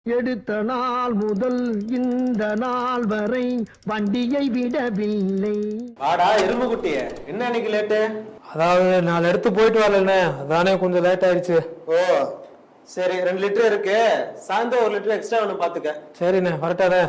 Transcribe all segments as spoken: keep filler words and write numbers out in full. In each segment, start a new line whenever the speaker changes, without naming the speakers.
எடுத்த நாள் முதல் இந்த நாள் வரை வண்டியை விடவில்லை.
வாடா எறும்பு குட்டிய, என்ன இன்னைக்கு லேட்டு?
அதாவது நாலு இடத்து போயிட்டு வரலண்ணே, அதானே கொஞ்சம் லேட் ஆயிடுச்சு.
ஓ சரி, ரெண்டு லிட்டர் இருக்கு, சாயந்தரம் ஒரு லிட்டர் எக்ஸ்ட்ரா ஒன்று பாத்துக்க.
சரிண்ணே, வரட்டாரே.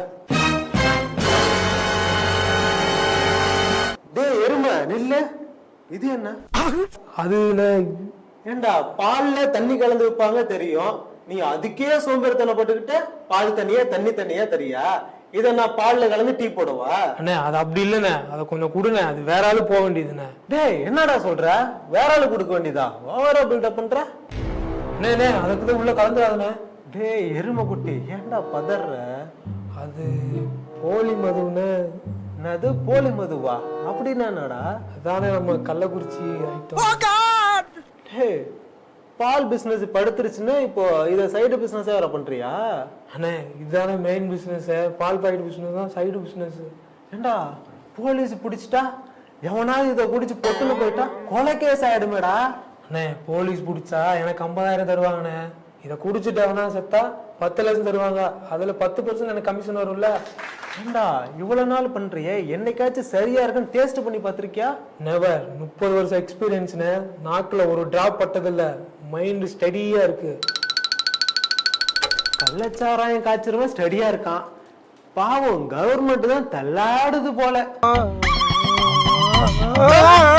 டே எருமை நில்லு, இது என்ன?
அது
ஏண்டா பால்ல தண்ணி கலந்து வைப்பாங்க தெரியும், நீ அதுக்கே சோம்பேறித்தனை போட்டுக்கிட்டு பால் தண்ணியா தண்ணி தண்ணியா தெரியா? இத நான் பால்ல கலந்து டீ போடுவா?
அண்ணே அது அப்படி இல்லண்ணே, அதை கொஞ்சம் கொடுண்ணே, அது வேற ஆளு போக வேண்டியதுண்ணே.
டேய் என்னடா சொல்ற, வேற ஆளு கொடுக்க வேண்டியதா? ஓவரா பில்டப் பண்ற?
அண்ணே அதுக்குதான் உள்ள கலந்துடாதுண்ணே.
டேய் எருமை குட்டி, ஏன்டா பதற?
அது போலி மதுன்னு.
என்னது போலி மதுவா? அப்படின்னா என்னடா?
அதானே நம்ம கள்ளக்குறிச்சி ஐட்டம்.
ஹே, பால் பிசினஸ் படுத்துருச்சுன்னு இப்போ இத சைடு பிசினஸ் வேற பண்றியா?
அண்ணே இதுதானே மெயின் பிசினஸ், பால் பாக்கெட் பிசினஸ் தான் சைடு பிசினஸ்.
ஏண்டா போலீஸ் பிடிச்சிட்டா எவனாவது இதை குடிச்சு பொட்டுன்னு போயிட்டா கொலை கேஸ் ஆயிடுமேடா.
அண்ணே போலீஸ் பிடிச்சா எனக்கு ஐம்பதாயிரம் தருவாங்கண்ணே, இதை குடிச்சுட்டவனா செத்தா பத்து லட்சம் தருவாங்க, அதுல பத்து பர்சன்ட் எனக்கு கமிஷன் வரும்ல.
ஏண்டா இவ்வளவு நாள் பண்றியே, என்னைக்காச்சும் சரியா இருக்குன்னு டேஸ்ட் பண்ணி பாத்திருக்கியா?
நெவர். முப்பது வருஷம் எக்ஸ்பீரியன்ஸ்னு, நாக்குல ஒரு டிராப் பட்டதில்ல, மைண்ட் ஸ்டடியா இருக்கு.
கள்ளச்சாராயம் காய்ச்சிருவன் ஸ்டடியா இருக்கான், பாவம் கவர்மெண்ட் தான் தள்ளாடுது போல.